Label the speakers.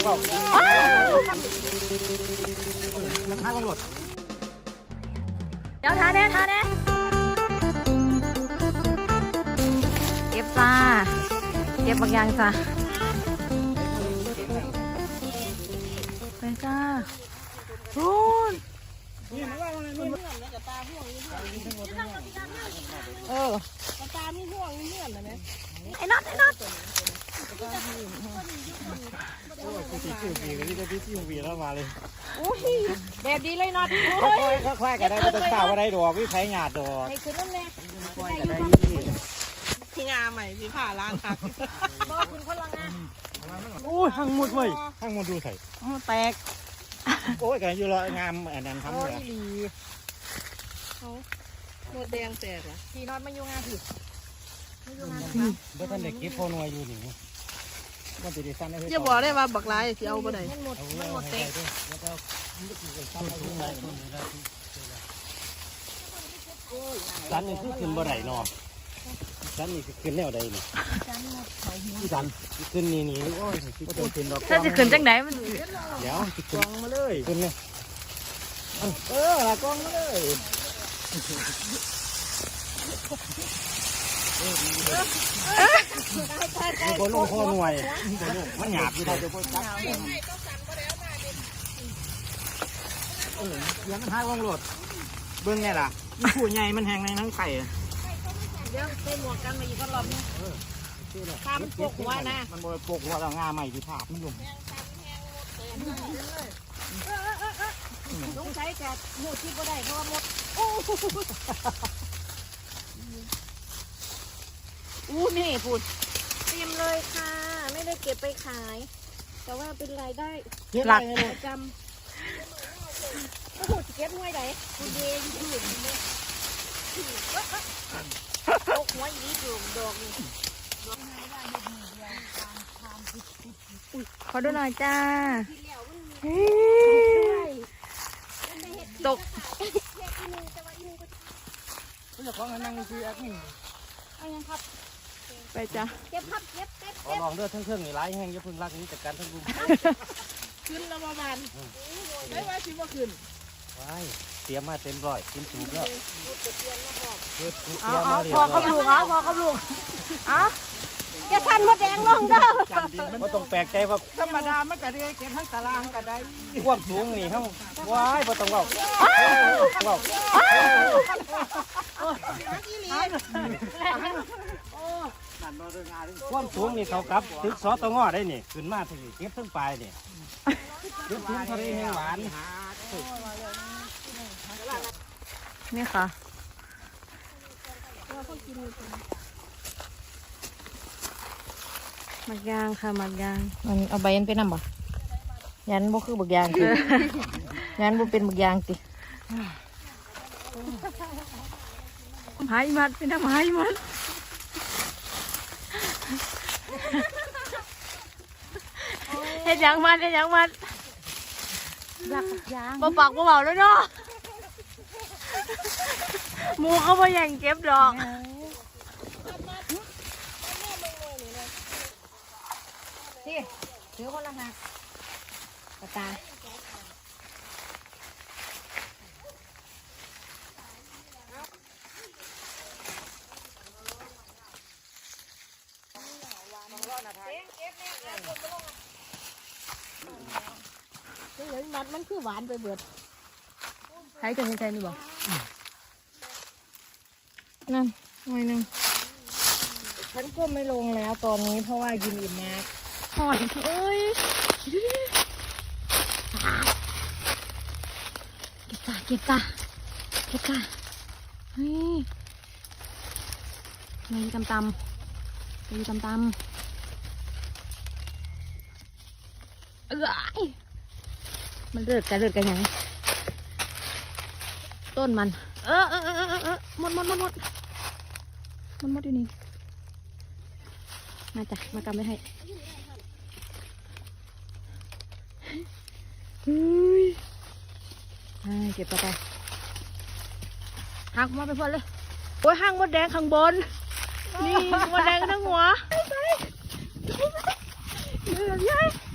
Speaker 1: มันท้ากันหมด
Speaker 2: เดี๋ยวทาแน่เก็บจ้าเก็บบางอย่างจ้าไปจ้าโอ้ย
Speaker 3: ตามีห่วงมีเงื่อนเลยไหม
Speaker 2: ไอ้น็อต
Speaker 1: พี่วีแล้วมาเลย
Speaker 3: อุ้ยแบบดีเลยน็อต
Speaker 1: ค่อยๆกันได้ไม่ต้องเต่าอะไรดอกพี่ไผ่หยาดดอก
Speaker 3: ให้ขึ้นนั่นแหละ
Speaker 1: ค่อยกันได้
Speaker 3: พี่งาใหม่พี่ผ่าล้างครับบอกคุณคนละงา
Speaker 1: โอ้ยหั่งหมดเว้ยหั่งหมดดูใส่
Speaker 3: แตก
Speaker 1: โอ้ยกันอยู่ละงามอันนั้นทำเลย
Speaker 3: เขาหมดแดงแตกอ่ะพี่น็อตมาอยู่งาผิด
Speaker 1: เดี๋ยวท่านเด็กเก็บพอนวยอยู่นี่มันจะได้สั้นได้
Speaker 3: อย่าบอกได้ว่าบักลายที่เอาไปไหน
Speaker 1: สั้นนี่คือขึ้นบ่ได้เนาะสั้นนี่คือขึ้นแนวใดนี่ที่สั้นขึ้นนี่โอ้ยก็ต้องขึ้นดอก
Speaker 2: ถ้าจะขึ้นจังไหนมัน
Speaker 1: เดี๋ยวกองมาเลยขึ้นเลยละกองมาเลยมีคนลงข้อหน่วยมันหยาบอยู่ได้เดี๋ยวพวกจับเดี๋ยวมันหายว่องโหลดเบิ้งไงล่ะผู้ใหญ่มันแหงในทั้งไข่
Speaker 3: เดี๋ยวใส่หมวกกันมาอีกรอบนึงข้ามปกหัวนะ
Speaker 1: มันโดนปกหัวเรางาใหม่ที่ภาพมันลง
Speaker 3: ต้องใช้แต่หมดที่ก็ได้เพราะว่าหมดอู้นี่พูดเต็มเลยค่ะไม่ได้เก็บไปขาย แต่ว่าเป็นรายได้
Speaker 1: หลัก
Speaker 3: ประจำโอ้โหเก็บห้วยไหนคุณเดย์อยู่เนี่ยตกหัวอีกอยู่ดอกนี่
Speaker 2: ขอดูหน่อยจ้าตก
Speaker 1: เจ้าของนั่งคือแอดมิน
Speaker 3: เอายังครับ
Speaker 2: ไปจ้า
Speaker 3: เก็บครับเก็บ
Speaker 1: ขอลองเด้อทั้งเครื่องนี่ร้ายแห้งอย่าพึ่งรักนี้จัดการทั้งรุม
Speaker 3: ขึ้นแล้วประมาณไม่ว่าสิว่าขึ้น
Speaker 1: ว้ายเตรียมมาเต็มร้อยกินถูกแล้ว
Speaker 2: พอเขาลูกพอเขาลูก
Speaker 3: จะทันมดแดงลงเด้อ
Speaker 1: ก็ต้องแปลกใจว่า
Speaker 3: ธรรมดามันก็ได้เก็บทั้งตารางก็ได้
Speaker 1: ความสูงนี่ทั้งว้ายบ่ต้องเว้าความสูงนี่เขากับตึกสตงได้นี่ขึ้นมาถึงเก็บทั้งปลายนี่เก็บทุ่งทะเลแห้งหวาน
Speaker 2: นี่ค่ะหมักยางค่ะหมักยางมันเอาใบยันไปนำบ่ยันบ่คือบักยางติยันบ่เป็นบักยางติหายมัดเป็นน้ำหายมัดเฮ็ดหยังมัด
Speaker 3: อยากยาง
Speaker 2: บ่ปักบ่เบาแล้วเนาะหมูเขาบ่แย่งเก็บดอก
Speaker 3: นี่ถือคนละหักปากกามันคือหวานไปเบิด
Speaker 2: ใช้กันใช้นี่บอกนั่นหน่อยหนึ่ง
Speaker 3: ฉันก็ไม่ลงแล้วตอนนี้เพราะว่ากินอิ่มมาก
Speaker 2: หอยเอ้ยเก็บตาเฮ้ยมีตำมันเลือดกันยังต้นมันหมดอยู่นี่มาจ้ะมากำไว้ให้เฮ้ยเก็บไปหักมาไปพอเลยโอ้ยห้างมดแดงข้างบนนี่มดแดงทั้งหัวไป